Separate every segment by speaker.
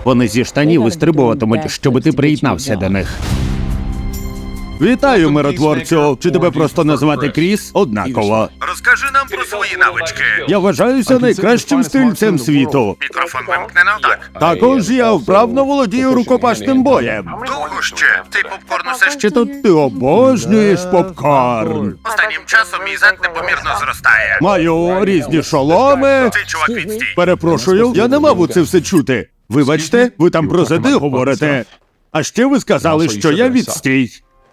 Speaker 1: Вони зі штанів вистрибуватимуть, щоби ти приєднався до них. Вітаю, миротворцю! Чи тебе просто назвати Кріс? Однаково.
Speaker 2: Розкажи нам про свої навички.
Speaker 1: Я вважаюся найкращим стрільцем світу.
Speaker 2: Мікрофон вимкнено? Так.
Speaker 1: Також я вправно володію рукопашним боєм.
Speaker 2: Довго ще? Ти попкорн усе ще?
Speaker 1: Чи тут ти обожнюєш попкорн?
Speaker 2: Останнім часом мій зад непомірно зростає.
Speaker 1: Маю різні шоломи.
Speaker 2: Цей чувак відстій.
Speaker 1: Перепрошую, я не мав у це все чути. Вибачте, ви там про зади говорите. А ще ви сказали, що я відстій.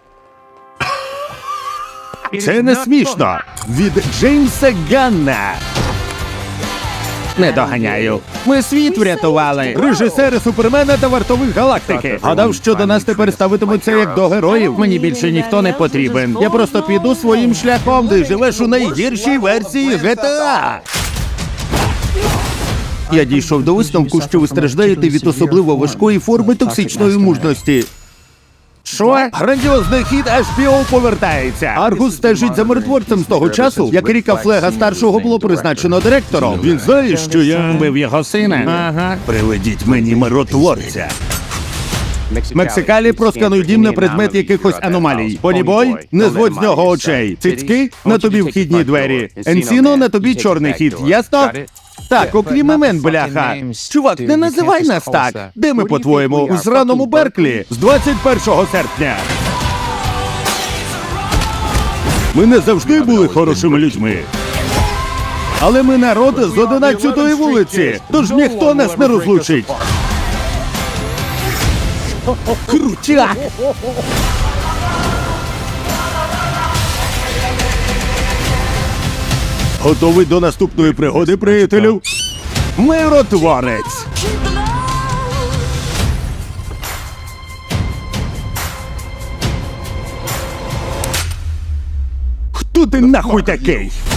Speaker 1: Це не смішно. Від Джеймса Ганна. Не доганяю. Ми світ врятували. Режисери Супермена та Вартових Галактики. Гадав, що до нас тепер ставитимуться як до героїв. Мені більше ніхто не потрібен. Я просто піду своїм шляхом, де живеш у найгіршій версії GTA. Я дійшов до висновку, що ви страждаєте від особливо важкої форми токсичної мужності. Що? Грандіозний хід HBO повертається. Аргус стежить за миротворцем з того часу, як Ріка Флега старшого було призначено директором. Він знає, що я вбив його сина. Ага. Приведіть мені миротворця. Мексикалі проскануй дім на предмет якихось аномалій. Понібой, не зводь з нього очей. Цицьки, на тобі вхідні двері. Енсіно, на тобі чорний хід. Ясно? Так, окрім імен, бляха. Чувак, не називай нас так. Де ми, по-твоєму, у зраному Берклі? З 21 серпня. Ми не завжди були хорошими людьми. Але ми народ з 11-ї вулиці, тож ніхто нас не розлучить. Крутяк! Готовий до наступної пригоди, приятелю? Миротворець! Хто ти нахуй такий?